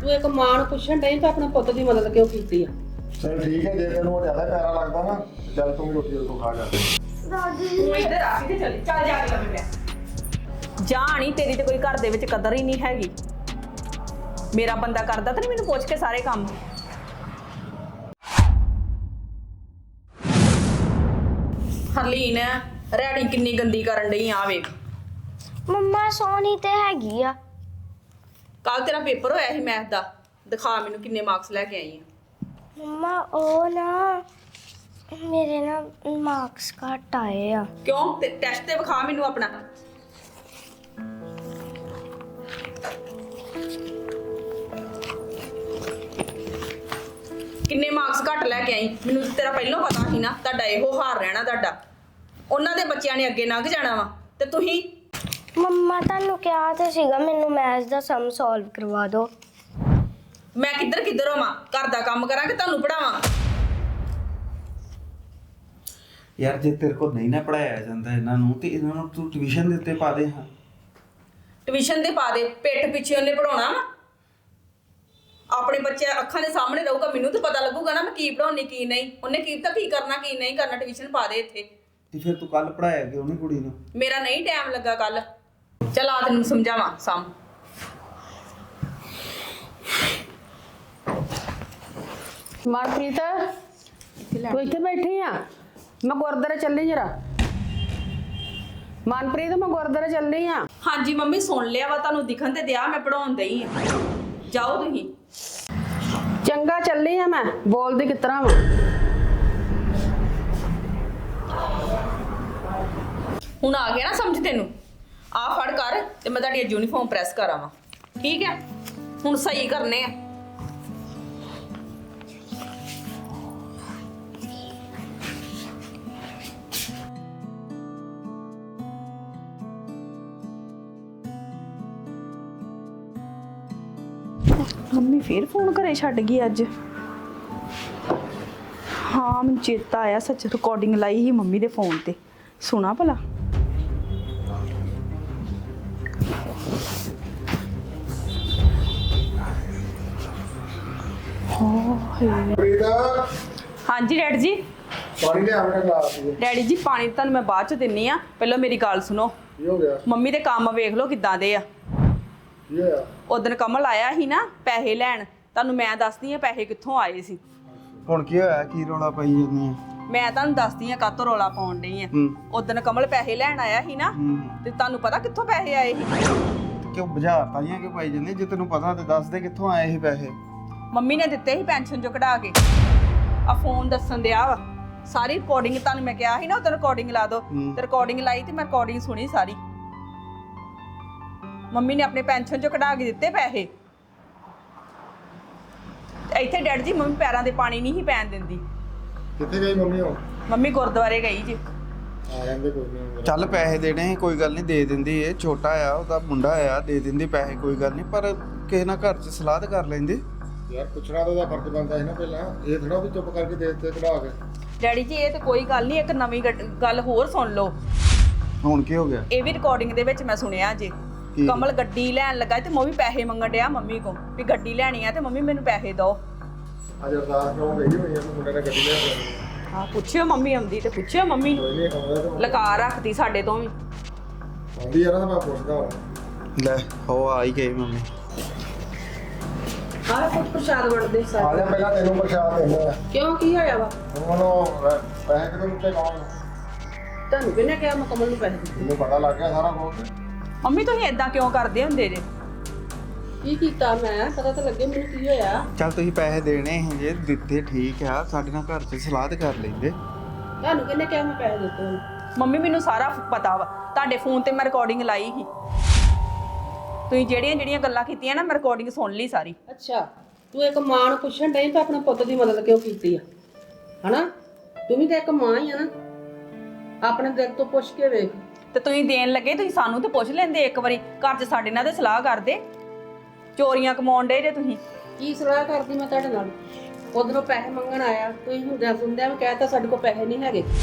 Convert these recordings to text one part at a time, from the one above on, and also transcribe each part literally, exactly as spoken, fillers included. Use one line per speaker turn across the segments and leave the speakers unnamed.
ਤੂੰ ਇੱਕ ਮਾਂ ਨੂੰ ਪੁੱਛਣ ਡਈ ਤਾਂ ਆਪਣੇ ਪੁੱਤ ਦੀ ਮਦਦ ਕਿਉਂ ਕੀਤੀ ਆ?
ਚਲ ਠੀਕ ਹੈ, ਜੇ ਤੈਨੂੰ ਜ਼ਿਆਦਾ ਪਿਆਰਾ ਲੱਗਦਾ ਨਾ ਚੱਲ ਤੂੰ ਵੀ ਰੋਟੀ ਉੱਥੋਂ ਖਾ ਜਾ।
ਦਾਦੀ
ਤੂੰ ਇੱਧਰ ਆ ਕੇ ਚੱਲ ਚੱਲ ਜਾ ਕੇ ਲੰਮੇ ਪੈ ਜਾਣੀ ਤੇਰੀ ਤੇ ਕੋਈ ਘਰ ਦੇ ਵਿੱਚ ਕਦਰ ਹੀ ਨਹੀਂ ਹੈਗੀ। ਮੇਰਾ ਬੰਦਾ ਕਰਦਾ ਤਾਂ ਨਹੀਂ ਮੈਨੂੰ ਪੁੱਛ ਕੇ ਸਾਰੇ ਕੰਮ। ਹਰਲੀਨ ਰੈਡੀ ਕਿੰਨੀ ਗੰਦੀ ਕਰਨ ਡਈ ਆ ਵੇਖ।
ਮੰਮਾ ਸੋਹਣੀ ਤੇ ਹੈਗੀ ਆ।
ਕੱਲ ਤੇਰਾ ਪੇਪਰ ਹੋਇਆ ਸੀ ਮੈਥ ਦਾ, ਦਿਖਾ ਮੈਨੂੰ ਕਿੰਨੇ ਮਾਰਕਸ ਲੈ ਕੇ ਆਈ ਆ।
ਮੰਮਾ ਉਹ ਨਾ ਮੇਰੇ ਨਾ ਮਾਰਕਸ ਘੱਟ ਆਏ ਆ।
ਕਿਉਂ ਤੇ ਟੈਸਟ ਤੇ ਵਿਖਾ ਮੈਨੂੰ ਆਪਣਾ। ਕਿੰਨੇ ਮਾਰਕਸ ਘੱਟ ਲੈ ਕੇ ਆਈ? ਮੈਨੂੰ ਤੇਰਾ ਪਹਿਲਾਂ ਪਤਾ ਸੀ ਨਾ ਤੁਹਾਡਾ ਇਹੋ ਹਾਰ ਰਹਿਣਾ ਤੁਹਾਡਾ। ਉਹਨਾਂ ਦੇ ਬੱਚਿਆਂ ਨੇ ਅੱਗੇ ਲੰਘ ਜਾਣਾ ਵਾ ਤੇ ਤੁਸੀਂ।
ਮੰਮਾ ਤੁਹਾਨੂੰ ਕਿਹਾ ਤੇ ਸੀਗਾ ਮੈਨੂੰ ਮੈਥ ਦਾ ਸਮ ਸੋਲਵ ਕਰਵਾ ਦਿਓ।
ਮੈਂ ਕਿੱਧਰ ਕਿੱਧਰ ਹੋਵਾਂ? ਘਰ ਦਾ ਕੰਮ ਕਰਾਂ ਕਿ ਤੁਹਾਨੂੰ ਪੜਾਵਾਂ?
ਯਾਰ ਜੇ ਤੇਰੇ ਕੋਲ ਨਹੀਂ ਨਾ ਪੜਾਇਆ ਜਾਂਦਾ ਇਹਨਾਂ ਨੂੰ ਤੇ ਇਹਨਾਂ ਨੂੰ ਤੂੰ ਟਿਊਸ਼ਨ ਦੇ ਉੱਤੇ ਪਾ ਦੇ। ਹਾਂ
ਟਿਊਸ਼ਨ ਦੇ ਪਾ ਦੇ, ਪਿੱਠ ਪਿੱਛੇ ਉਹਨੇ ਪੜਾਉਣਾ ਵਾ। ਆਪਣੇ ਬੱਚੇ ਅੱਖਾਂ ਦੇ ਸਾਹਮਣੇ ਰਹੂਗਾ, ਮੈਨੂੰ ਤਾਂ ਪਤਾ ਲੱਗੂਗਾ ਨਾ ਮੈਂ ਕੀ ਪੜਾਉਣੀ ਕੀ ਨਹੀਂ। ਉਹਨੇ ਕੀ ਤਾਂ ਕੀ ਕਰਨਾ ਕੀ ਨਹੀਂ ਕਰਨਾ। ਟਿਊਸ਼ਨ ਪਾ ਦੇ ਇੱਥੇ।
ਤੇ ਫਿਰ ਤੂੰ ਕੱਲ ਪੜਾਇਆ ਕਿਉਂ ਨਹੀਂ ਕੁੜੀ ਨੂੰ?
ਮੇਰਾ ਨਹੀਂ ਟਾਈਮ ਲੱਗਾ ਕੱਲ। ਚੱਲ ਆ ਤੈਨੂੰ ਸਮਝਾਵਾਂ ਸਾਮ।
ਮਨਪ੍ਰੀਤ ਤੂੰ ਇੱਥੇ ਬੈਠੀ ਆ? ਮੈਂ ਗੁਰਦੁਆਰੇ ਚੱਲੀ ਜਰਾ। ਮਨਪ੍ਰੀਤ ਮੈਂ ਗੁਰਦੁਆਰੇ ਚੱਲੀ ਆ।
ਹਾਂਜੀ ਮੰਮੀ ਸੁਣ ਲਿਆ ਵਾ, ਤੁਹਾਨੂੰ ਦਿਖਣ ਤੇ ਦਿਆ ਮੈਂ ਪੜਾਉਣ ਦਈ ਆ। ਜਾਓ ਤੁਸੀਂ।
ਚੰਗਾ ਚੱਲੀ ਆ ਮੈਂ। ਬੋਲਦੀ ਕਿਸ ਤਰ੍ਹਾਂ ਵਾ?
ਹੁਣ ਆ ਗਿਆ ਨਾ ਸਮਝ ਤੈਨੂੰ? ਆ ਫੜ ਕਰ ਤੇ ਮੈਂ ਤੁਹਾਡੀ ਯੂਨੀਫਾਰਮ ਪ੍ਰੈਸ ਕਰਾਵਾਂ। ਠੀਕ ਹੈ ਹੁਣ ਸਹੀ ਕਰਨੇ ਆ। ਮੰਮੀ ਫੇਰ ਫੋਨ ਘਰੇ ਛੱਡ ਗਈ ਅੱਜ। ਹਾਂ ਮੈਨੂੰ ਚੇਤਾ ਆਇਆ, ਸੱਚ ਰਿਕਾਰਡਿੰਗ ਲਾਈ ਸੀ ਮੰਮੀ ਦੇ ਫੋਨ ਤੇ। ਸੁਣਾ ਭਲਾ।
ਪ੍ਰੀਤ
ਹਾਂਜੀ ਡੈਡੀ ਜੀ।
ਪਾਣੀ ਲਿਆ ਮੇਰਾ ਗਲਾਸ ਵਿੱਚ।
ਡੈਡੀ ਜੀ ਪਾਣੀ ਤੁਹਾਨੂੰ ਮੈਂ ਬਾਅਦ ਚ ਦਿੰਨੀ ਆ, ਪਹਿਲਾਂ ਮੇਰੀ ਗੱਲ ਸੁਣੋ।
ਕੀ ਹੋ ਗਿਆ?
ਮੰਮੀ ਦੇ ਕੰਮ ਵੇਖ ਲਓ ਕਿੱਦਾਂ ਦੇ ਆ।
ਕੀ ਹੋਇਆ?
ਉਦਣ ਕਮਲ ਆਇਆ ਸੀ ਨਾ ਪੈਸੇ ਲੈਣ, ਤੁਹਾਨੂੰ ਮੈਂ ਦੱਸਦੀ ਆ ਪੈਸੇ ਕਿੱਥੋਂ ਆਏ ਸੀ।
ਹੁਣ ਕੀ ਹੋਇਆ? ਕੀ ਰੌਲਾ ਪਾਈ ਜਾਂਦੀ ਆ?
ਮੈਂ ਤੁਹਾਨੂੰ ਦੱਸਦੀ ਆ ਕਾਤੋਂ ਰੌਲਾ ਪਾਉਣ ਡਈ ਆ।
ਹੂੰ
ਉਦਣ ਕਮਲ ਪੈਸੇ ਲੈਣ ਆਇਆ ਸੀ ਨਾ,
ਹੂੰ
ਤੇ ਤੁਹਾਨੂੰ ਪਤਾ ਕਿੱਥੋਂ ਪੈਸੇ ਆਏ ਸੀ?
ਕਿਉਂ ਬਾਜ਼ਾਰ ਤਾਈਆਂ ਕਿ ਪਾਈ ਜਾਂਦੀ? ਜੇ ਤੈਨੂੰ ਪਤਾ ਤੇ ਦੱਸ ਦੇ ਕਿੱਥੋਂ ਆਏ ਇਹ ਪੈਸੇ।
ਮੰਮੀ ਨੇ ਦਿੱਤੇ ਸੀ ਪੈਨਸ਼ਨ ਚੋਂ ਕਢਾ ਕੇ। ਆ ਫੋਨ ਦੱਸਣ ਦਿਆ ਵਾ ਸਾਰੀ ਰਿਕਾਰਡਿੰਗ। ਤੁਹਾਨੂੰ ਮੈਂ ਕਿਹਾ ਸੀ ਨਾ ਉਦੋਂ ਰਿਕਾਰਡਿੰਗ ਲਾ ਦੋ,
ਹੂੰ।
ਤੇ ਰਿਕਾਰਡਿੰਗ ਲਾਈ ਤੇ ਮੈਂ ਰਿਕਾਰਡਿੰਗ ਸੁਣੀ ਸਾਰੀ। ਮੰਮੀ ਨੇ ਆਪਣੇ ਪੈਨਸ਼ਨ ਚੋਂ ਕਢਾ ਕੇ ਦਿੱਤੇ ਪੈਸੇ। ਤੇ ਇੱਥੇ ਡੈਡ ਜੀ ਮੰਮੀ ਪੈਰਾਂ ਦੇ ਪਾਣੀ ਨਹੀਂ ਸੀ ਪੈਣ ਦਿੰਦੀ।
ਕਿੱਥੇ ਗਈ ਮੰਮੀ ਹੁਣ?
ਮੰਮੀ ਗੁਰਦੁਆਰੇ ਗਈ ਜੀ।
ਆ ਜਾਂਦੇ ਕੋਈ ਨਹੀਂ।
ਚੱਲ ਪੈਸੇ ਦੇਣੇ ਸੀ, ਕੋਈ ਗੱਲ ਨਹੀਂ ਦੇ ਦਿੰਦੀ। ਇਹ ਛੋਟਾ ਆ, ਉਹਦਾ ਮੁੰਡਾ ਆ, ਦੇ ਦਿੰਦੀ ਪੈਸੇ ਕੋਈ ਗੱਲ ਨਹੀਂ। ਪਰ ਕਿਸੇ ਨਾਲ ਘਰ 'ਚ ਸਲਾਹ ਤਾਂ ਕਰ ਲੈਂਦੇ।
ਯਾਰ ਪੁੱਛਣਾ ਤਾਂ ਉਹਦਾ ਫਰਜ਼ ਬਣਦਾ ਸੀ ਨਾ ਪਹਿਲਾਂ। ਇਹ ਥੋੜਾ ਵੀ ਚੁੱਪ ਕਰਕੇ ਦੇ ਦਿੱਤੇ ਕਢਾ ਕੇ।
ਡੈਡੀ ਜੀ ਇਹ ਤੇ ਕੋਈ ਗੱਲ ਨਹੀਂ, ਇੱਕ ਨਵੀਂ ਗੱਡ- ਗੱਲ ਹੋਰ ਸੁਣ ਲਓ।
ਹੁਣ ਕੀ ਹੋ ਗਿਆ?
ਇਹ ਵੀ ਰਿਕਾਰਡਿੰਗ ਦੇ ਵਿੱਚ ਮੈਂ ਸੁਣਿਆ ਜੀ।
ਕੀ?
ਕਮਲ ਗੱਡੀ ਲੈਣ ਲੱਗਾ ਤੇ ਮੰਮੀ ਪੈਸੇ ਮੰਗਣ ਡਿਆ ਮੰਮੀ ਕੋਲ ਵੀ ਗੱਡੀ ਲੈਣੀ ਆ ਤੇ ਮੰਮੀ ਮੈਨੂੰ ਪੈਸੇ ਦਿਓ।
ਅੱਜ ਅਰਦਾਸ ਕਰਾਉਣ ਗਈ ਹੋਈ ਆ ਕਿ ਮੁੰਡੇ ਨੇ ਗੱਡੀ ਲੈ ਕੇ ਆਉਣੀ।
ਹਾਂ ਪੁੱਛਿਓ ਮੰਮੀ ਆਉਂਦੀ ਤੇ ਪੁੱਛਿਓ ਮੰਮੀ ਨੂੰ।
ਕੋਈ ਨਹੀਂ ਆਉਂਦਾ ਤਾਂ
ਲਕਾ ਰੱਖਦੀ ਸਾਡੇ ਤੋਂ ਵੀ।
ਆਉਂਦੀ ਆ ਨਾ ਤਾਂ ਮੈਂ ਪੁੱਛਦਾ ਹਾਂ।
ਲੈ ਹੋ ਆ ਹੀ ਗਈ ਮੰਮੀ।
ਆਹ ਕੁਝ ਪ੍ਰਸ਼ਾਦ ਵੰਡਦੇ
ਆ
ਸਾਰੇ।
ਜਾ ਪਹਿਲਾਂ ਤੈਨੂੰ ਪ੍ਰਸ਼ਾਦ ਦਿੰਦੇ ਆ।
ਕਿਉਂ ਕੀ ਹੋਇਆ ਵਾ?
ਹੁਣ ਉਹਨੂੰ ਪੈਸੇ ਕਿਦੋਂ ਦਿੱਤੇ ਕੌਣ?
ਤੁਹਾਨੂੰ ਕਿਹਨੇ ਕਿਹਾ ਮੈਂ ਕਮਲ ਨੂੰ ਪੈਸੇ ਦਿੱਤੇ?
ਮੈਨੂੰ ਪਤਾ ਲੱਗ ਗਿਆ ਸਾਰਾ ਕੁਝ।
ਮੰਮੀ ਤੁਸੀਂ ਏਦਾਂ ਕਿਉਂ ਕਰਦੇ ਹੁੰਦੇ ਜੇ?
ਕੀ ਕੀਤਾ ਮੈਂ? ਪਤਾ ਤਾਂ ਲੱਗੇ ਮੈਨੂੰ ਕੀ ਹੋਇਆ।
ਚੱਲ ਤੁਸੀਂ ਪੈਸੇ ਦੇਣੇ ਸੀ ਜੇ ਦਿੱਤੇ ਠੀਕ ਆ। ਸਾਡੇ ਨਾਲ ਘਰ 'ਚ ਸਲਾਹ ਤਾਂ ਕਰ ਲੈਂਦੇ।
ਤੁਹਾਨੂੰ ਕਿਹਨੇ ਕਿਹਾ ਮੈਂ ਪੈਸੇ ਦਿੱਤੇ ਉਹਨੂੰ?
ਮੰਮੀ ਮੈਨੂੰ ਸਾਰਾ ਪਤਾ ਵਾ, ਤੁਹਾਡੇ ਫੋਨ ਤੇ ਮੈਂ ਰਿਕਾਰਡਿੰਗ ਲਾਈ ਸੀ। ਤੁਸੀਂ ਜਿਹੜੀਆਂ ਜਿਹੜੀਆਂ ਗੱਲਾਂ ਕੀਤੀਆਂ ਨਾ ਮੈਂ ਰਿਕਾਰਡਿੰਗ ਸੁਣ ਲਈ ਸਾਰੀ।
ਅੱਛਾ ਤੂੰ ਇੱਕ ਮਾਂ ਨੂੰ ਪੁੱਛਣ ਡਈ ਤਾਂ ਆਪਣੇ ਪੁੱਤ ਦੀ ਮਦਦ ਕਿਉਂ ਕੀਤੀ ਆ? ਹਨਾ ਤੂੰ ਵੀ ਤਾਂ ਇੱਕ ਮਾਂ ਹੀ ਆ ਨਾ। ਆਪਣੇ ਦਿਲ ਤੋਂ ਪੁੱਛ ਕੇ ਵੇਖ।
ਤੇ ਤੁਸੀਂ ਦੇਣ ਲੱਗੇ ਤੁਸੀਂ ਸਾਨੂੰ ਤੇ ਪੁੱਛ ਲੈਂਦੇ ਇੱਕ ਵਾਰੀ। ਘਰ 'ਚ ਸਾਡੇ ਨਾਲ ਤੇ ਸਲਾਹ ਕਰਦੇ। ਚੋਰੀਆਂ ਕਮਾਉਣ ਡੇ ਜੇ ਤੁਸੀਂ।
ਕੀ ਸਲਾਹ ਕਰਦੀ ਮੈਂ ਤੁਹਾਡੇ ਨਾਲ? ਉਧਰੋਂ ਪੈਸੇ ਮੰਗਣ ਆਇਆ, ਤੁਸੀਂ ਹੁੰਦਿਆਂ ਸੁਣਦਿਆਂ ਵੀ ਕਹਿਤਾ ਸਾਡੇ ਕੋਲ ਪੈਸੇ ਨਹੀਂ ਹੈਗੇ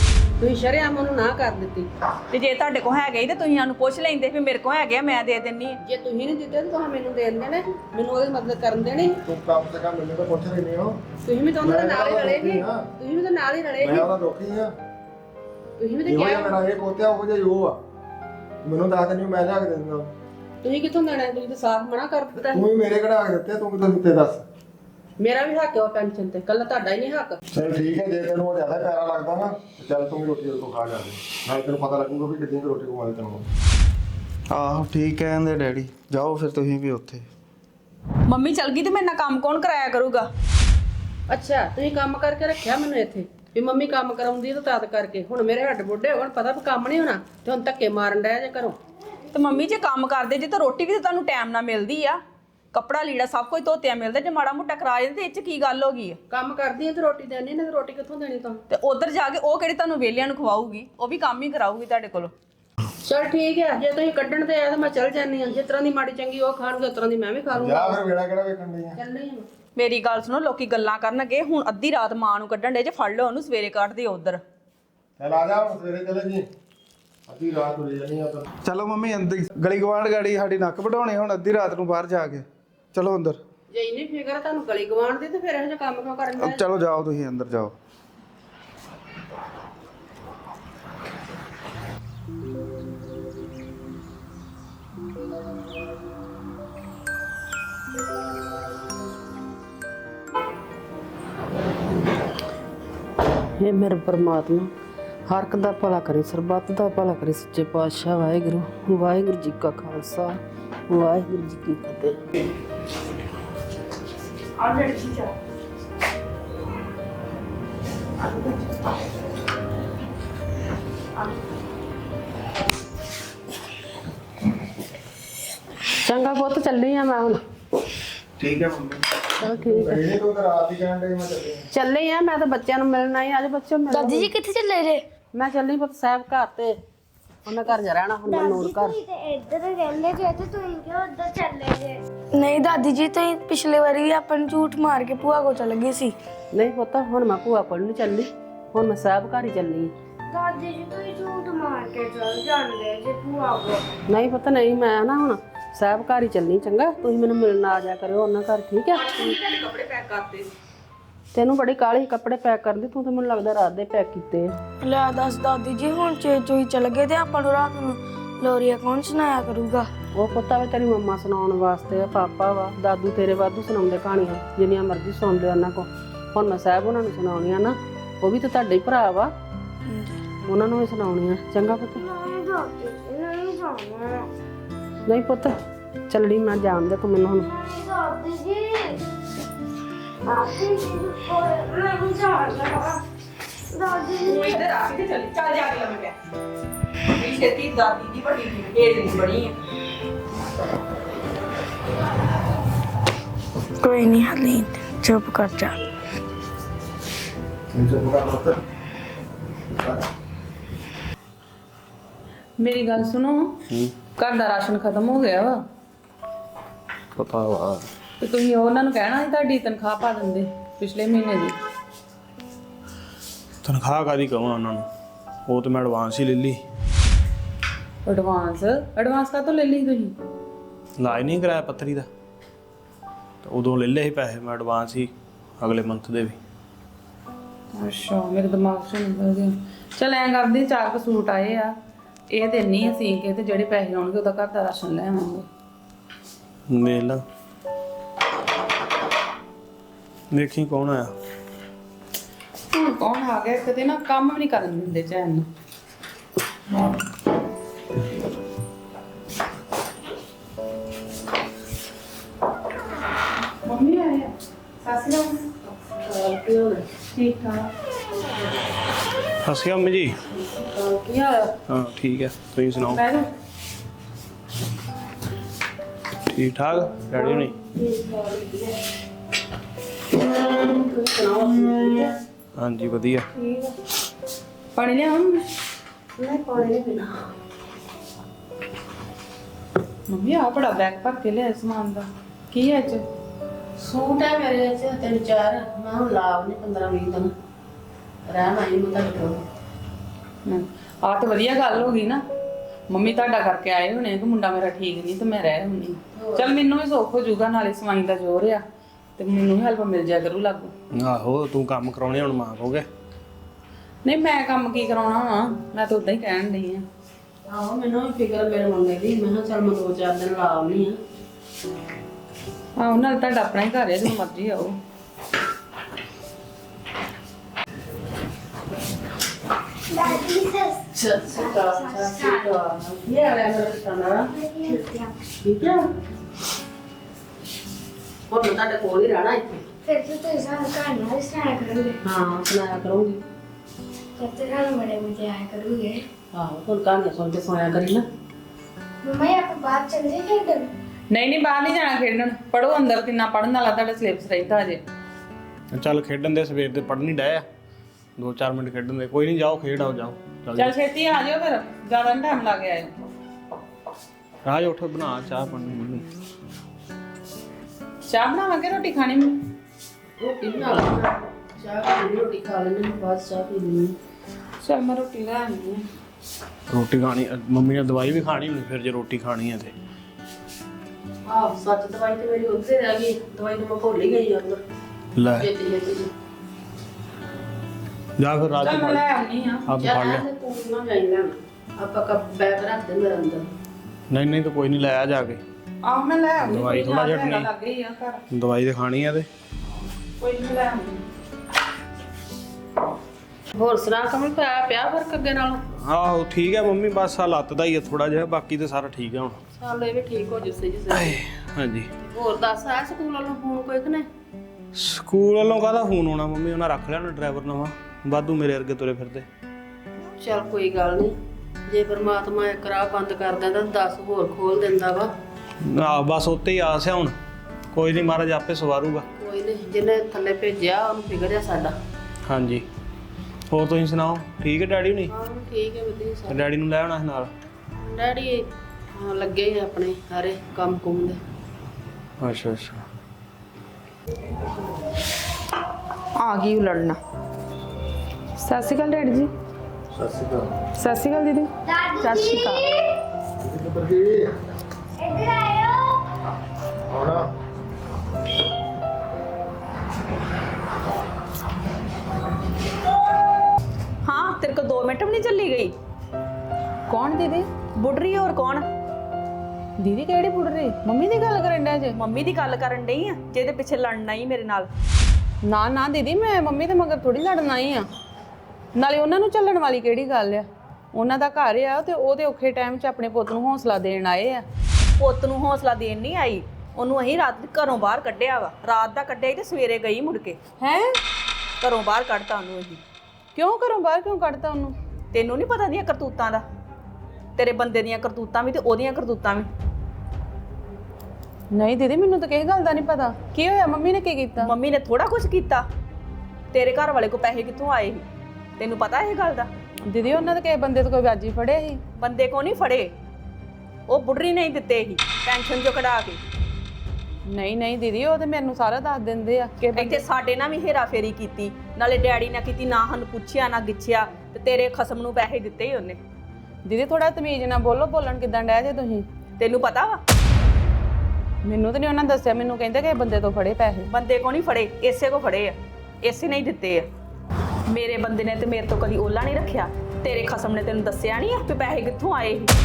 ਤੁਸੀਂ ਸ਼ਰੇਆਮ ਉਹਨੂੰ ਨਾ ਕਰ ਦਿੱਤੀ।
ਤੇ ਜੇ ਤੁਹਾਡੇ ਕੋਲ ਹੈਗੇ ਹੀ ਤੇ ਤੁਸੀਂ ਸਾਨੂੰ ਪੁੱਛ ਲੈਂਦੇ ਵੀ ਮੇਰੇ ਕੋਲ ਹੈਗੇ ਆ ਮੈਂ ਦੇ ਦਿੰਨੀ ਆ।
ਜੇ ਤੁਸੀਂ ਨਹੀਂ ਦਿੱਤੇ ਤਾਂ ਤੁਸੀਂ ਮੈਨੂੰ ਦੇਣ ਦੇਣੇ, ਮੈਨੂੰ ਉਹਦੀ ਮਦਦ ਕਰਨ ਦੇਣੀ।
ਤੂੰ ਕੰਮ ਤੇ ਕੰਮ ਮੈਨੂੰ ਤਾਂ ਪੁੱਛ ਲੈਣੀ ਹੋ।
ਤੁਸੀਂ ਵੀ ਤਾਂ ਉਹਨਾਂ ਦੇ ਨਾਲ ਹੀ ਰਲੇ ਸੀ, ਤੁਸੀਂ ਵੀ ਤਾਂ ਨਾਲ ਹੀ ਰਲੇ
ਮੈਂ
ਸੀ,
ਉਹਦਾ ਰੋਕੀ ਆ।
ਤੁਸੀਂ ਵੀ ਤਾਂ
ਇਹੋ
ਕਿਹਾ
ਜਿਹਾ ਮੇਰਾ ਇਹ ਪੋਤਿਆ ਉਹ ਜਿਹਾ ਹੀ ਉਹ ਆ। ਮੈਨੂੰ ਦੱਸ ਦਿੰਦੀ ਮੈਂ ਲਿਆ ਕੇ ਦੇ ਦਿੰਦਾ।
ਤੁਸੀਂ ਕਿੱਥੋਂ ਦੇਣਾ, ਤੁਸੀਂ ਤਾਂ ਸਾਫ਼ ਮਨਾ ਕਰ ਦਿੱਤਾ।
ਤੂੰ ਵੀ ਮੇਰੇ ਕਢਾ ਕੇ ਦਿੱਤੇ, ਤੂੰ ਕਿੱਥੋਂ ਦਿੱਤੇ ਦੱਸ।
ਮੇਰਾ ਵੀ ਹੱਕ ਹੈ ਉਹ ਪੈਨਸ਼ਨ ਤੇ, ਕੱਲਾ ਤੁਹਾਡਾ ਹੀ ਨਹੀਂ ਹੱਕ।
ਚਲ ਠੀਕ ਹੈ, ਜੇ ਤੈਨੂੰ ਉਹ ਜ਼ਿਆਦਾ ਪਿਆਰਾ ਲੱਗਦਾ ਨਾ ਤੇ ਚੱਲ ਤੂੰ ਵੀ ਰੋਟੀ ਉਹਦੇ ਕੋਲ ਖਾ ਜਾ। ਨਾਲ ਤੈਨੂੰ ਪਤਾ ਲੱਗੂਗਾ ਵੀ ਕਿੰਨੀ ਕੁ ਰੋਟੀ ਕਮਾਈ ਤੈਨੂੰ।
ਆਹੋ ਠੀਕ ਕਹਿੰਦੇ ਡੈਡੀ, ਜਾਓ ਫਿਰ ਤੁਸੀਂ ਵੀ ਉੱਥੇ।
ਮੰਮੀ ਚਲ ਗਈ ਤੇ ਮੇਰੇ ਨਾਲ ਕੰਮ ਕੌਣ ਕਰਾਇਆ ਕਰੂਗਾ?
ਅੱਛਾ ਤੁਸੀਂ ਕੰਮ ਕਰਕੇ ਰੱਖਿਆ ਮੈਨੂੰ ਇੱਥੇ ਵੀ ਮੰਮੀ ਕੰਮ ਕਰਾਉਂਦੀ ਹੈ ਤਾਂ ਤਦ ਕਰਕੇ। ਹੁਣ ਮੇਰੇ ਹੱਡ ਬੁੱਢੇ ਹੋ ਗਏ, ਪਤਾ ਵੀ ਕੰਮ ਨਹੀਂ ਹੋਣਾ ਤੇ ਹੁਣ ਧੱਕੇ ਮਾਰਨ ਡਿਆ ਜੇ ਘਰੋਂ।
ਤੇ ਮੰਮੀ ਜੇ ਕੰਮ ਕਰਦੇ ਜੇ ਤਾਂ ਰੋਟੀ ਵੀ ਤਾਂ ਤੁਹਾਨੂੰ ਟਾਈਮ ਨਾਲ ਮਿਲਦੀ ਆ, ਕੱਪੜਾ ਲੀੜਾ ਸਭ ਕੁਝ ਧੋਤਿਆ ਮਿਲਦਾ। ਜੇ ਮਾੜਾ ਮੋਟਾ ਕਰਾ ਜਾਂਦੇ ਤੇ ਇਹ ਚ ਕੀ ਗੱਲ ਹੋ ਗਈ ਆ?
ਕੰਮ ਕਰਦੀ ਹੈ ਤੇ ਰੋਟੀ ਦੇਣੀ, ਨਹੀਂ ਤੇ ਰੋਟੀ ਕਿੱਥੋਂ ਦੇਣੀ ਤੁਹਾਨੂੰ?
ਤੇ ਉਧਰ ਜਾ ਕੇ ਉਹ ਕਿਹੜੀ ਤੁਹਾਨੂੰ ਵੇਲਿਆਂ ਨੂੰ ਖਵਾਊਗੀ, ਉਹ ਵੀ ਕੰਮ ਹੀ ਕਰਾਊਗੀ ਤੁਹਾਡੇ ਕੋਲੋਂ।
ਚਲ ਠੀਕ ਹੈ, ਜੇ ਤੁਸੀਂ ਕੱਢਣ ਤੇ ਆਇਆ ਤਾਂ ਮੈਂ ਚੱਲ ਜਾਂਦੀ ਹਾਂ। ਜਿਸ ਤਰ੍ਹਾਂ ਦੀ ਮਾੜੀ ਚੰਗੀ ਉਹ ਖਾਣਗੇ ਉਸ ਤਰ੍ਹਾਂ ਦੀ ਮੈਂ ਵੀ ਖਾ ਲੂੰਗਾ।
ਜਾ ਫਿਰ ਵੇੜਾ ਕਿਹੜਾ ਵੇਖਣ ਦੀ ਆ।
ਚੱਲਣੀ ਹਾਂ।
ਮੇਰੀ ਗੱਲ ਸੁਣੋ, ਲੋਕੀ ਗੱਲਾਂ ਕਰਨਗੇ ਹੁਣ ਅੱਧੀ ਰਾਤ ਮਾਂ ਨੂੰ ਕੱਢਣ ਦੇ ਜੇ, ਫੜ ਲਓ ਉਹਨੂੰ ਸਵੇਰੇ ਕੱਢਦੇ ਉਧਰ।
ਚੱਲ ਆ ਜਾ ਹੁਣ ਸਵੇਰੇ ਚਲੇ ਜੀ, ਅੱਧੀ ਰਾਤ ਹੋ ਜਾਣੀ ਆ ਤਾਂ।
ਚਲੋ ਮੰਮੀ ਅੰਦਰ ਹੀ। ਗਲੀ ਗਵਾਂਢ ਗਾੜੀ ਸਾਡੀ ਨੱਕ ਵਢਾਉਣੇ ਹੁਣ ਅੱਧੀ ਰਾਤ ਨੂੰ ਬਾਹਰ ਜਾ ਕੇ। ਚਲੋ ਅੰਦਰ।
ਜੇ ਇੰਨੀ ਫਿਕਰ ਹੈ ਤੁਹਾਨੂੰ ਗਲੀ ਗਵਾਂਢ ਦੀ ਤੇ ਫਿਰ ਇਹੋ ਜਿਹਾ ਕੰਮ ਕਿਉਂ ਕਰਨ ਦਾ?
ਚਲੋ ਜਾਓ ਤੁਸੀਂ ਅੰਦਰ ਜਾਓ।
हे मेरे परमात्मा, हर एक दा भला करे, सरबत दा भला करे। सच्चे पातशाह वाहिगुरु। वाहिगुरु जी का खालसा, वाहिगुरु जी की फतेह। चंगा पुत चली आ मैं हुण।
ठीक है मम्मी।
चल ठीक है।
ਨਹੀਂ ਤੂੰ ਤਾਂ ਰਾਤ ਹੀ ਕਹਿਣ ਡਈ ਮੈਂ ਚੱਲੀ ਆ।
ਚੱਲੇ ਆ ਮੈਂ ਤਾਂ ਬੱਚਿਆਂ ਨੂੰ ਮਿਲਣ ਆਈ। ਅੱਜ ਬੱਚੇ ਮਿਲ
ਦਾਦੀ ਜੀ ਕਿੱਥੇ ਚੱਲੇ ਜੇ?
ਮੈਂ ਚੱਲੀ ਪੁੱਤ ਸਾਹਿਬ ਘਰ ਤੇ ਉਹਨਾਂ ਘਰ ਜਾ ਰਹਿਣਾ ਹੁਣ ਮੈਂ ਨੂਰ ਘਰ।
ਤੇ ਇੱਧਰ ਰਹਿੰਦੇ ਜੇ ਤੇ ਤੁਸੀਂ ਕਿਉਂ ਉੱਧਰ ਚੱਲੇ ਜੇ? ਨਹੀਂ ਦਾਦੀ ਜੀ, ਤੁਸੀਂ ਪਿਛਲੇ ਵਾਰੀ ਵੀ ਆਪਾਂ ਨੂੰ ਝੂਠ ਮਾਰ ਕੇ ਭੂਆ ਕੋ ਚਲੇ ਗਏ ਸੀ।
ਨਹੀਂ ਪੁੱਤ ਹੁਣ ਮੈਂ ਭੂਆ ਕੋਲ ਨਹੀਂ ਚੱਲੀ, ਹੁਣ ਮੈਂ ਸਾਹਿਬ ਘਰ ਹੀ ਚੱਲੀ ਆ।
ਦਾਦੀ ਜੀ ਤੁਸੀਂ ਝੂਠ ਮਾਰ ਕੇ ਚਲ ਜਾਂਦੇ ਜੇ ਭੂਆ ਕੋ।
ਨਹੀਂ ਪੁੱਤ ਨਹੀਂ, ਮੈਂ ਨਾ ਹੁਣ ਸਾਹਿਬ ਘਰ ਹੀ ਚੱਲਣੀ। ਚੰਗਾ ਤੁਸੀਂ ਮੈਨੂੰ ਮਿਲਣ ਆ ਜਾ ਕਰਿਓ ਉਹਨਾਂ ਘਰ, ਠੀਕ ਹੈ?
ਕੱਪੜੇ ਪੈਕ ਕਰਤੇ।
ਤੈਨੂੰ ਬੜੀ ਕਾਹਲੀ ਕੱਪੜੇ ਪੈਕ ਕਰਦੀ, ਤੂੰ ਤਾਂ ਮੈਨੂੰ ਲੱਗਦਾ ਰਾਤ ਦੇ ਪੈਕ ਕੀਤੇ ਆ।
ਲੈ ਦੱਸ ਦਾਦੀ ਜੀ, ਹੁਣ ਚੇ ਚੋਈ ਚਲ ਗਏ ਤੇ ਆਪਾਂ ਨੂੰ ਰਾਤ ਨੂੰ ਲੋਰੀਆ ਕੌਣ ਸੁਣਾਇਆ ਕਰੂਗਾ?
ਉਹ ਪੁੱਤਾ ਵੀ ਤੇਰੀ ਮੰਮਾ ਸੁਣਾਉਣ ਵਾਸਤੇ ਆ, ਪਾਪਾ ਵਾ, ਦਾਦੂ ਤੇਰੇ ਵਾਧੂ ਸੁਣਾਉਂਦੇ ਕਹਾਣੀਆਂ, ਜਿੰਨੀਆਂ ਮਰਜ਼ੀ ਸੁਣਦੇ ਉਹਨਾਂ ਕੋ। ਹੁਣ ਮੈਂ ਸਾਹਿਬ ਉਹਨਾਂ ਨੂੰ ਸੁਣਾਉਣੀਆਂ ਨਾ, ਉਹ ਵੀ ਤਾਂ ਤੁਹਾਡੇ ਹੀ ਭਰਾ ਵਾ, ਉਹਨਾਂ ਨੂੰ ਵੀ ਸੁਣਾਉਣੀਆਂ। ਚੰਗਾ ਪੁੱਤ?
ਨਹੀਂ ਦਾਦੀ ਜੀ, ਨਹੀਂ ਜਾਣਾ।
ਨਹੀਂ ਪੁੱਤ ਚੱਲਣੀ, ਮੈਂ ਜਾਣਦੇ ਤੂੰ ਮੈਨੂੰ ਹੁਣ।
ਨਹੀਂ ਦਾਦੀ ਜੀ, ਦਾਦੀ ਜੀ ਕੋਈ ਨਹੀਂ ਜਾਣਾ। ਦਾਦੀ ਜੀ
ਤੂੰ ਇੱਧਰ ਆ ਕੇ ਚੱਲ ਚੱਲ ਜਾ ਕੇ ਲੰਮੇ ਪਿਆ। ਮੇਰੀ ਛੇਤੀ ਦਾਦੀ ਦੀ ਵੱਡੀ ਏਜ ਨਹੀਂ ਬਣੀ ਹੈ।
ਕੋਈ ਨਹੀਂ, ਹਲੀ ਚੁੱਪ ਕਰ ਜਾ।
ਚੁੱਪ ਕਰ ਪੁੱਤ।
ਮੇਰੀ ਗੱਲ ਸੁਣੋ, ਘਰ ਦਾ ਰਾਸ਼ਨ ਖਤਮ ਹੋ ਗਿਆ ਵਾ
ਪਤਾ ਵਾ।
ਤੇ ਤੁਸੀਂ ਉਹਨਾਂ ਨੂੰ ਕਹਿਣਾ ਸੀ ਤੁਹਾਡੀ ਤਨਖਾਹ ਪਾ ਦਿੰਦੇ ਪਿਛਲੇ ਮਹੀਨੇ ਦੀ।
ਤਨਖਾਹ ਕਾਦੀ ਕਹਾਂ ਉਹਨਾਂ ਨੂੰ, ਉਹ ਤਾਂ ਮੈਂ ਐਡਵਾਂਸ ਹੀ ਲੈ ਲਈ।
ਐਡਵਾਂਸ ਐਡਵਾਂਸ ਕਾਹਤੋਂ ਲੈ ਲਈ ਤੁਸੀਂ?
ਇਲਾਜ ਨਹੀਂ ਕਰਾਇਆ ਪੱਥਰੀ ਦਾ, ਤਾਂ ਉਦੋਂ ਲੈ ਲਏ ਸੀ ਪੈਸੇ ਮੈਂ ਐਡਵਾਂਸ ਹੀ, ਅਗਲੇ ਮੰਥ ਦੇ ਵੀ।
ਅੱਛਾ, ਮੇਰੇ ਦਿਮਾਗ 'ਚ ਨਿਕਲ ਗਿਆ। ਚਲ ਐਂ ਕਰਦੇ, ਚਾਰ ਕੁ ਸੂਟ ਆਏ ਆ, ਇਹ ਦੇਣੀ ਆ ਸੀ ਕੇ, ਤੇ ਜਿਹੜੇ ਪੈਸੇ ਆਉਣਗੇ ਉਹਦਾ ਘਰ ਦਾ ਰਾਸ਼ਨ ਲੈ ਆਵਾਂਗੇ।
ਵੇਖ ਲਾ, ਵੇਖੀ ਕੌਣ ਆਇਆ।
ਹੁਣ ਕੌਣ ਆ ਗਿਆ? ਕਦੇ ਨਾ ਕੰਮ ਵੀ ਨਹੀਂ ਕਰਨ ਦਿੰਦੇ ਚੈਨ ਨਾਲ। ਮੰਮੀ ਆਏ ਆ। ਸਤਿ ਸ਼੍ਰੀ ਅਕਾਲ। ਠੀਕ ਠਾਕ।
ਹੱਸਿਆ ਮੰਮੀ ਜੀ।
ਕੀ ਹਾਲ?
ਹਾਂ ਠੀਕ ਹੈ, ਤੁਸੀਂ ਸੁਣਾਓ?
ਬਹਿ ਜਾਓ।
ਠੀਕ ਠਾਕ ਡੈਡੀ ਹੋਣੀ? ਹਾਂਜੀ ਵਧੀਆ।
ਪਾਣੀ ਲਿਆਵਾਂ?
ਨਹੀਂ ਪਾਣੀ ਨਹੀਂ ਪੀਣਾ।
ਮੰਮੀ ਆ ਬੜਾ ਬੈਗ ਭਰ ਕੇ ਲਿਆ ਸਮਾਨ ਦਾ, ਕੀ ਹੈ ਅੱਜ?
ਸੂਟ ਹੈ ਮੇਰੇ ਚ ਤਿੰਨ ਚਾਰ, ਮੈਂ ਹੁਣ ਲਾਭ ਨਹੀਂ ਪੰਦਰਾਂ ਵੀਹ ਦਿਨ ਰਹਿਣ ਆਈ ਮੈਂ ਤੁਹਾਡੇ ਕੋਲ।
ਆਹ ਤਾਂ ਵਧੀਆ ਗੱਲ ਹੋ ਗਈ ਨਾ। ਮੰਮੀ ਤੁਹਾਡਾ ਕਰਕੇ ਆਏ ਹੋਣੇ ਕਿ ਮੁੰਡਾ ਮੇਰਾ ਠੀਕ ਨਹੀਂ ਤੇ ਮੈਂ ਰਹਿ ਹੁੰਨੀ। ਚਲ ਮੈਨੂੰ ਵੀ ਸੁੱਖ ਹੋ ਜਾਊਗਾ, ਨਾਲੇ ਸਵਾਈ ਦਾ ਜ਼ੋਰ ਆ ਤੇ ਮੈਨੂੰ ਵੀ ਹੈਲਪ ਮਿਲ ਜਾਇਆ ਕਰੂ ਲਾਗੂ।
ਆਹੋ ਤੂੰ ਕੰਮ ਕਰਾਉਣੇ ਹੁਣ ਮਾਂ ਕਹੋਗੇ।
ਨਹੀਂ ਮੈਂ ਕੰਮ ਕੀ ਕਰਾਉਣਾ ਵਾ, ਮੈਂ ਤਾਂ ਉਦਾਂ ਹੀ ਕਹਿਣ ਡਈ ਆ।
ਆਹੋ ਮੈਨੂੰ ਵੀ ਫਿਕਰ ਮੇਰੇ ਮੁੰਡੇ ਦੀ। ਮੈਂ ਕਿਹਾ ਚੱਲ ਮੈਂ ਦੋ ਚਾਰ ਦਿਨ ਲਾ ਆਉਣੀ ਆ।
ਆਹੋ ਨਾਲ ਤੁਹਾਡਾ ਆਪਣਾ ਹੀ ਘਰ ਹੈ, ਜਦੋਂ ਮਰਜ਼ੀ ਆਓ।
ਸਤਿ ਸ਼੍ਰੀ ਅਕਾਲ। ਸਤਿ ਸ਼੍ਰੀ ਅਕਾਲ। ਕੀ ਹਾਲ ਹੈ ਮੇਰੇ ਸਨਾ? ਠੀਕ ਹੈ। ਹੋਰ ਮੈਂ ਤੁਹਾਡੇ ਕੋਲ ਹੀ ਰਹਿਣਾ ਇੱਥੇ।
ਫਿਰ ਤੂੰ ਤੇ ਸਾਨੂੰ ਕਹਾਣੀਆਂ ਵੀ ਸੁਣਾਇਆ ਕਰੋਗੇ।
ਹਾਂ ਸੁਣਾਇਆ ਕਰੂੰਗੀ।
ਫਿਰ ਤੇ ਸਾਨੂੰ ਬੜੇ ਮਜ਼ੇ ਆਇਆ ਕਰੂਗੇ।
ਆਹੋ ਹੁਣ ਕਹਾਣੀਆਂ ਸੁਣ ਕੇ ਸੋਇਆ ਕਰੀ ਨਾ।
ਮੰਮਾ ਇਹ ਆਪਾਂ ਬਾਹਰ ਚੱਲੇ ਖੇਡਣ।
ਨਹੀਂ ਨਹੀਂ ਬਾਹਰ ਨਹੀਂ ਜਾਣਾ ਖੇਡਣ, ਪੜੋ ਅੰਦਰ। ਕਿੰਨਾ ਪੜਨ ਵਾਲਾ ਤੁਹਾਡਾ ਸਿਲੇਬਸ ਰਹਿੰਦਾ ਅਜੇ।
ਚੱਲ ਖੇਡਣ ਦੇ, ਸਵੇਰ ਦੇ ਪੜ੍ਹਨ ਹੀ ਡਏ ਆ। ਦੋ ਚਾਰ ਮਿੰਟ ਖੇਡਣ ਦੇ, ਕੋਈ ਨਹੀਂ ਜਾਓ ਖੇਡ ਆਓ ਜਾਓ।
ਚੱਲ ਛੇਤੀ ਆ ਜਾਓ, ਫਿਰ ਜ਼ਿਆਦਾ ਟਾਈਮ ਲੱਗ ਆਇਓ।
ਰਾਜ ਉੱਠ ਬਣਾ ਚਾਹ ਪਾਣੀ ਮੰਮੀ।
ਚਾਹ ਬਣਾਵਾਂਗੇ, ਰੋਟੀ ਖਾਣੀ ਮੈਨੂੰ।
ਰੋਟੀ ਬਣਾ ਲਾ। ਚਾਹ ਪੀ ਲਈ, ਰੋਟੀ ਖਾ ਲੈਣੇ ਬਾਅਦ ਚਾਹ ਪੀ ਲੈਣੀ।
ਚਲ ਮੈਂ ਰੋਟੀ ਲੈ ਆਉਂਦੀ ਹਾਂ।
ਰੋਟੀ ਖਾਣੀ ਅ, ਮੰਮੀ ਨੇ ਦਵਾਈ ਵੀ ਖਾਣੀ ਹੁੰਦੀ ਫਿਰ ਜੇ ਰੋਟੀ ਖਾਣੀ ਹੈ ਤੇ।
ਆਹ ਸੱਚ ਦਵਾਈ ਤੇ ਮੇਰੀ ਉੱਥੇ ਰਹਿ ਗਈ। ਦਵਾਈ ਤਾਂ ਮੈਂ ਭੁੱਲ ਹੀ ਗਈ ਅੰਦਰ।
ਲੈ
ਛੇਤੀ ਛੇਤੀ
ਜਾ ਫਿਰ ਰਾਜ
ਚੱਲ ਮੈਂ
ਫੜ
ਲੈ ਆਉਂਦੀ ਹਾਂ।
ਆਪ ਫੜ ਲੈ।
ਤੂੰ ਨਾ ਜਾਈ ਲੈਣਾ। ਆਪਾਂ ਕੱਪ ਬੈਗ ਰੱਖ ਦੇ ਮੇਰੇ ਅੰਦਰ।
ਨਹੀਂ ਨਹੀਂ ਤਾਂ ਕੋਈ ਨਹੀਂ ਲੈ ਆ ਜਾ ਕੇ।
ਆਹ ਮੈਂ ਲੈ ਆਉਂਦੀ।
ਦਵਾਈ ਥੋੜ੍ਹਾ ਜਿਹਾ ਨਹੀਂ।
ਲੱਗ ਗਈ ਆ ਘਰ।
ਦਵਾਈ ਤੇ ਖਾਣੀ ਆ ਤੇ।
ਕੋਈ ਨਹੀਂ ਲੈ ਆਉਂਦੀ।
ਹੋਰ ਸੁਣਾ ਕਮਲ ਪਿਆ ਪਿਆ ਫਰਕ ਅੱਗੇ ਨਾਲੋਂ?
ਆਹੋ ਠੀਕ ਹੈ ਮੰਮੀ, ਬਸ ਆ ਲੱਤ ਦਾ ਹੀ ਆ ਥੋੜਾ ਜਿਹਾ, ਬਾਕੀ ਤੇ ਸਾਰਾ ਠੀਕ ਹੈ ਹੁਣ।
ਚੱਲ ਇਹ ਵੀ ਠੀਕ ਹੋ ਜੁਸੇ ਜਿਸੇ।
ਹਾਂਜੀ
ਹੋਰ ਦੱਸ ਆਇਆ ਸਕੂਲ ਵੱਲੋਂ ਫੋਨ ਕੋਈ ਕਿ ਨਹੀਂ?
ਸਕੂਲ ਵੱਲੋਂ ਕਾਹਦਾ ਫੋਨ ਆਉਣਾ ਮੰਮੀ, ਉਹਨਾਂ ਰੱਖ ਲਿਆ ਨਾ ਡਰਾਈਵਰ ਨਵਾਂ। ਵਾਧੂ ਮੇਰੇ ਵਰਗੇ ਤੁਰੇ ਫਿਰਦੇ।
ਚੱਲ ਕੋਈ ਗੱਲ ਨਹੀਂ। ਜੇ ਪਰਮਾਤਮਾ ਇੱਕ ਰਾਹ ਬੰਦ ਕਰ ਦਿੰਦਾ ਤਾਂ ਦਸ ਹੋਰ ਖੋਲ ਦਿੰਦਾ ਵਾ।
ਆ ਬਸ ਉੱਤੇ ਹੀ ਆਸ ਆ ਹੁਣ। ਕੋਈ ਨਹੀਂ ਮਹਾਰਾਜ ਆਪੇ ਸਵਾਰੂਗਾ।
ਕੋਈ ਨਹੀਂ, ਜਿਹਨੇ ਥੱਲੇ ਭੇਜਿਆ ਉਹਨੂੰ ਫਿਕਰ ਆ ਸਾਡਾ।
ਹਾਂਜੀ ਹੋਰ ਤੁਸੀਂ ਸੁਣਾਓ, ਠੀਕ ਹੈ ਡੈਡੀ ਹੁਣੀ?
ਹਾਂ ਠੀਕ ਹੈ ਵਧੀਆ
ਤੇ
ਸਾਰੇ।
ਡੈਡੀ ਨੂੰ ਲੈ ਆਉਣਾ ਸੀ ਨਾਲ।
ਡੈਡੀ ਹਾਂ ਲੱਗੇ ਹੀ ਆਪਣੇ ਸਾਰੇ ਕੰਮ ਕੁੰਮ ਦੇ।
ਅੱਛਾ ਅੱਛਾ
ਆ ਗਈ ਲੜਨਾ। ਸਤਿ ਸ਼੍ਰੀ ਅਕਾਲ ਡੈਡੀ ਜੀ।
ਸਤਿ ਸ਼੍ਰੀ ਅਕਾਲ।
ਸਤਿ ਸ਼੍ਰੀ ਅਕਾਲ ਦੀਦੀ। ਸਤਿ ਸ਼੍ਰੀ ਅਕਾਲ।
ਕਿੱਧਰ ਗਈ?
ਇੱਧਰ ਆਇਓ।
ਆਉਣਾ।
ਹਾਂ ਤੇਰੇ ਕੋਲ ਦੋ ਮਿੰਟ ਵੀ ਨਹੀਂ ਚੱਲੀ ਗਈ।
ਕੌਣ ਦੀਦੀ?
ਬੁੱਢਰੀ ਹੋਰ ਕੌਣ?
ਦੀਦੀ ਕਿਹੜੀ ਬੁੱਢ ਰਹੀ? ਮੰਮੀ ਦੀ ਗੱਲ ਕਰਨ ਡਿਆ ਜੇ?
ਮੰਮੀ ਦੀ ਗੱਲ ਕਰਨ ਡਈ ਆ, ਜਿਹਦੇ ਪਿੱਛੇ ਲੜਨਾ ਹੀ ਮੇਰੇ ਨਾਲ।
ਨਾ ਨਾ ਦੀਦੀ, ਮੈਂ ਮੰਮੀ ਦੇ ਮਗਰ ਥੋੜੀ ਲੜਨ ਆਈ ਆ। ਨਾਲੇ ਉਹਨਾਂ ਨੂੰ ਚੱਲਣ ਵਾਲੀ ਕਿਹੜੀ ਗੱਲ ਆ? ਉਹਨਾਂ ਦਾ ਘਰ ਆ ਤੇ ਉਹਦੇ ਔਖੇ ਟਾਈਮ 'ਚ ਆਪਣੇ ਪੁੱਤ ਨੂੰ ਹੌਸਲਾ ਦੇਣ ਆਏ ਆ।
ਪੁੱਤ ਨੂੰ ਹੌਸਲਾ ਦੇਣ ਨਹੀਂ ਆਈ, ਉਹਨੂੰ ਅਸੀਂ ਰਾਤ ਘਰੋਂ ਬਾਹਰ ਕੱਢਿਆ ਵਾ। ਰਾਤ ਦਾ ਕੱਢਿਆ ਤੇ ਸਵੇਰੇ ਗਈ ਮੁੜ ਕੇ।
ਹੈ
ਘਰੋਂ ਬਾਹਰ ਕੱਢਤਾ ਉਹਨੂੰ ਅਸੀਂ।
ਕਿਉਂ ਘਰੋਂ ਬਾਹਰ ਕਿਉਂ ਕੱਢਤਾ ਉਹਨੂੰ?
ਤੈਨੂੰ ਨਹੀਂ ਪਤਾ ਦੀਆਂ ਕਰਤੂਤਾਂ ਦਾ? ਤੇਰੇ ਬੰਦੇ ਦੀਆਂ ਕਰਤੂਤਾਂ ਵੀ ਤੇ ਉਹਦੀਆਂ ਕਰਤੂਤਾਂ ਵੀ।
ਨਹੀਂ ਦੀਦੀ, ਮੈਨੂੰ ਤਾਂ ਕਿਸੇ ਗੱਲ ਦਾ ਨਹੀਂ ਪਤਾ। ਕੀ ਹੋਇਆ? ਮੰਮੀ ਨੇ ਕੀ ਕੀਤਾ?
ਮੰਮੀ ਨੇ ਥੋੜਾ ਕੁਝ ਕੀਤਾ। ਤੇਰੇ ਘਰ ਵਾਲੇ ਕੋ ਪੈਸੇ ਕਿੱਥੋਂ ਆਏ ਸੀ? ਤੈਨੂੰ ਪਤਾ ਇਹ ਗੱਲ ਦਾ?
ਦੀਦੀ ਉਹਨਾਂ ਦੇ ਕਿਸੇ ਬੰਦੇ ਤੋਂ ਕੋਈ ਵਿਆਜੀ ਫੜਿਆ ਸੀ?
ਬੰਦੇ ਕੋ ਨਹੀਂ ਫੜੇ, ਉਹ ਬੁੱਢਰੀ ਨਹੀਂ ਦਿੱਤੇ ਸੀ ਪੈਨਸ਼ਨ ਚੋਂ ਕਢਾ ਕੇ।
ਨਹੀਂ ਨਹੀਂ ਦੀਦੀ, ਉਹ ਤੇ ਮੈਨੂੰ ਸਾਰਾ ਦੱਸ ਦਿੰਦੇ ਆ ਕਿ
ਇੱਥੇ ਸਾਡੇ ਨਾਲ ਵੀ ਹੇਰਾ ਫੇਰੀ ਕੀਤੀ, ਨਾਲੇ ਡੈਡੀ ਨਾਲ ਕੀਤੀ, ਨਾ ਸਾਨੂੰ ਪੁੱਛਿਆ ਨਾ ਗਿੱਛਿਆ, ਤੇ ਤੇਰੇ ਖਸਮ ਨੂੰ ਪੈਸੇ ਦਿੱਤੇ ਹੀ ਉਹਨੇ।
ਦੀਦੀ ਥੋੜਾ ਤਮੀਜ਼ ਨਾਲ ਬੋਲੋ, ਬੋਲਣ ਕਿਦਾਂ ਡਿਆ ਜੇ ਤੁਸੀਂ?
ਤੈਨੂੰ ਪਤਾ ਵਾ?
ਮੈਨੂੰ ਤਾਂ ਨਹੀਂ ਉਹਨਾਂ ਦੱਸਿਆ, ਮੈਨੂੰ ਕਹਿੰਦੇ ਕਿ ਬੰਦੇ ਤੋਂ ਫੜੇ ਪੈਸੇ।
ਬੰਦੇ ਕੋ ਨਹੀਂ ਫੜੇ, ਇਸੇ ਕੋ ਫੜੇ ਆ, ਇਸੇ ਨਹੀਂ ਦਿੱਤੇ ਆ। ਮੇਰੇ ਬੰਦੇ ਨੇ ਤੇ ਮੇਰੇ ਤੋਂ ਕਦੀ ਓਲਾ ਨਹੀਂ ਰੱਖਿਆ। ਤੇਰੇ ਖਸਮ ਨੇ ਤੈਨੂੰ ਦੱਸਿਆ ਨਹੀਂ ਆ ਕਿ ਪੈਸੇ ਕਿੱਥੋਂ ਆਏ ਸੀ?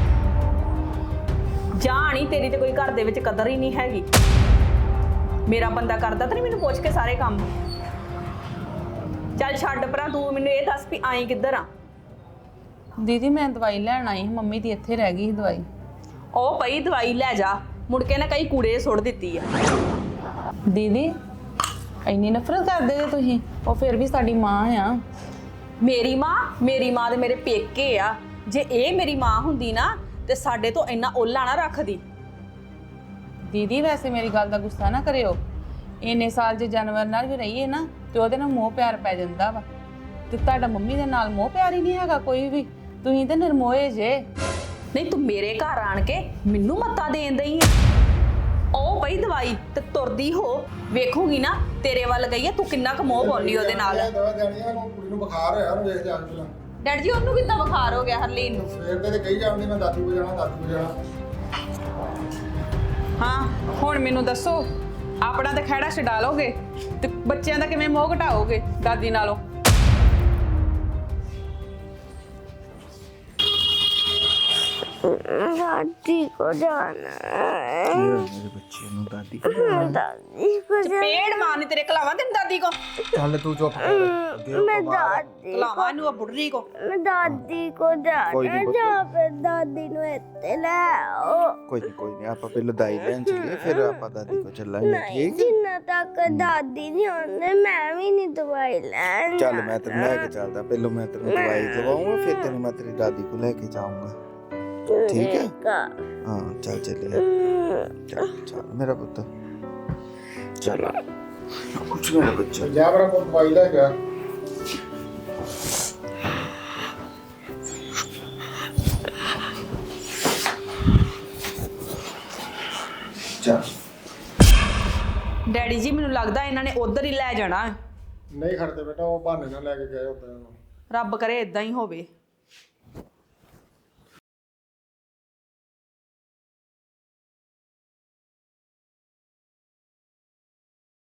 ਜਾਣੀ ਤੇਰੀ ਤੇ ਕੋਈ ਘਰ ਦੇ ਵਿੱਚ ਕਦਰ ਹੀ ਨਹੀਂ ਹੈਗੀ। ਮੇਰਾ ਬੰਦਾ ਕਰਦਾ ਤਾਂ ਨਹੀਂ ਮੈਨੂੰ ਪੁੱਛ ਕੇ ਸਾਰੇ ਕੰਮ। ਚੱਲ ਛੱਡ ਪਰਾਂ, ਤੂੰ ਮੈਨੂੰ ਇਹ ਦੱਸ ਵੀ ਆਈ ਕਿੱਧਰ ਆ?
ਦੀਦੀ ਮੈਂ ਦਵਾਈ ਲੈਣ ਆਈ, ਮੰਮੀ ਦੀ ਇੱਥੇ ਰਹਿ ਗਈ ਸੀ ਦਵਾਈ।
ਉਹ ਪਈ ਦਵਾਈ ਲੈ ਜਾ, ਮੁੜ ਕੇ ਨਾ ਕਈ ਕੂੜੇ ਸੁੱਟ ਦਿੱਤੀ ਆ।
ਦੀਦੀ ਇੰਨੀ ਨਫ਼ਰਤ ਕਰਦੇ ਜੇ ਤੁਸੀਂ? ਉਹ ਫਿਰ ਵੀ ਸਾਡੀ ਮਾਂ ਆ।
ਮੇਰੀ ਮਾਂ? ਮੇਰੀ ਮਾਂ ਦੇ ਮੇਰੇ ਪੇਕੇ ਆ। ਜੇ ਇਹ ਮੇਰੀ ਮਾਂ ਹੁੰਦੀ ਨਾ ਤੇ ਸਾਡੇ ਤੋਂ ਇੰਨਾ ਓਲਾ ਨਾ ਰੱਖਦੀ।
ਦੀਦੀ ਵੈਸੇ ਮੇਰੀ ਗੱਲ ਦਾ ਗੁੱਸਾ ਨਾ ਕਰਿਓ। ਇੰਨੇ ਸਾਲ ਜੇ ਜਾਨਵਰ ਨਾਲ ਵੀ ਰਹੀਏ ਨਾ ਤੇ ਉਹਦੇ ਨਾਲ ਮੋਹ ਪਿਆਰ ਪੈ ਜਾਂਦਾ ਵਾ। ਤੇ ਤੁਹਾਡਾ ਮੰਮੀ ਦੇ ਨਾਲ ਮੋਹ ਪਿਆਰ ਹੀ ਨਹੀਂ ਹੈਗਾ ਕੋਈ ਵੀ। ਤੁਸੀਂ ਤੇ ਨਿਰਮੋਏ ਜੇ।
ਨਹੀਂ ਤੂੰ ਮੇਰੇ ਘਰ ਆਣ ਕੇ ਮੈਨੂੰ ਮੱਤਾ ਦੇਣ ਦਈ ਆ। ਉਹ ਪਈ ਦਵਾਈ ਤੇ ਤੁਰਦੀ ਹੋ, ਵੇਖੂਗੀ ਨਾ ਤੇਰੇ ਵੱਲ ਗਈ ਆ, ਤੂੰ ਕਿੰਨਾ ਕੁ ਮੋਹ ਪਾਉਣੀ ਉਹਦੇ ਨਾਲ।
ਦਵਾ ਦੇਣੀ ਆ, ਕੁੜੀ ਨੂੰ ਬੁਖਾਰ ਹੋਇਆ, ਉਹਨੂੰ ਵੇਖ ਜਾ ਕੇ ਪਹਿਲਾਂ।
ਡੈਡੀ ਜੀ ਉਹਨੂੰ ਕਿੱਦਾਂ ਬੁਖਾਰ ਹੋ ਗਿਆ ਹਰਲੀਨ ਨੂੰ?
ਸਵੇਰ ਦੇ ਤੇ ਕਹੀ ਜਾਂਦੀ ਮੈਂ ਦਾਦੀ ਕੋ ਜਾਣਾ ਦਾਦੀ ਕੋ ਜਾਣਾ।
ਹਾਂ ਹੁਣ ਮੈਨੂੰ ਦੱਸੋ, ਆਪਣਾ ਤਾਂ ਖਹਿੜਾ ਛਡਾ ਲੋਗੇ ਤੇ ਬੱਚਿਆਂ ਦਾ ਕਿਵੇਂ ਮੋਹ ਘਟਾਓਗੇ ਦਾਦੀ ਨਾਲੋਂ?
दादी को जाना है।
ਮੇਰੇ ਬੱਚੇ ਨੂੰ ਦਾਦੀ
दादी को
ਪੇੜ ਮਾਰਨੀ ਤੇਰੇ ਕਲਾਵਾਂ ਤੈਨੂੰ ਦਾਦੀ ਕੋ
ਚੱਲ ਤੂੰ ਚੁੱਪ ਕਰ ਅੱਗੇ
मैं दादी
ਕਲਾਵਾਂ ਨੂੰ ਆ ਬੁੱਢੀ ਕੋ।
मैं दादी को
कोई
जाना
नहीं
है
पुत्र।
जहाँ पे दादी नु इत्ते ले आओ।
ਕੋਈ ਨਹੀਂ ਕੋਈ ਨਹੀਂ ਆਪਾਂ ਪਹਿਲਾਂ ਦਾਈ ਲੈਣ ਚੱਲੀਏ ਫਿਰ ਆਪਾਂ ਦਾਦੀ ਕੋ ਚੱਲਾਂਗੇ
नहीं
ਠੀਕ ਹੈ
जिन्ना तक दादी नहीं आने मैं भी नहीं दवाई लैन
ਚੱਲ ਮੈਂ ਤੈਨੂੰ ਲੈ ਕੇ ਚੱਲਦਾ ਪਹਿਲਾਂ ਮੈਂ ਤੈਨੂੰ ਦਵਾਈ ਦਵਾਉਂਗਾ ਫਿਰ ਤੈਨੂੰ ਮੈਂ ਤੇਰੀ ਦਾਦੀ ਕੋ ਲੈ ਕੇ ਜਾਊਂਗਾ ਠੀਕ ਹੈ
का
ਹਾਂ ਚੱਲ ਚੱਲੀਏ ਚੱਲ ਚੱਲ ਮੇਰਾ ਪੁੱਤ ਚੱਲ ਕੁਛ ਮੇਰਾ ਬੱਚਾ
ਜਾ ਮੇਰਾ ਕੋਲ ਦਵਾਈ ਲੈ ਗਿਆ।
ਚੱਲ
ਡੈਡੀ ਜੀ ਮੈਨੂੰ ਲੱਗਦਾ ਇਹਨਾਂ ਨੇ ਉਧਰ ਹੀ ਲੈ ਜਾਣਾ।
ਨਹੀਂ ਖੜਦੇ ਬੇਟਾ ਉਹ ਬਹਾਨੇ ਨਾਲ ਲੈ ਕੇ ਗਏ ਉੱਧਰ ਨੂੰ।
ਰੱਬ ਕਰੇ ਇਦਾਂ ਹੀ ਹੋਵੇ।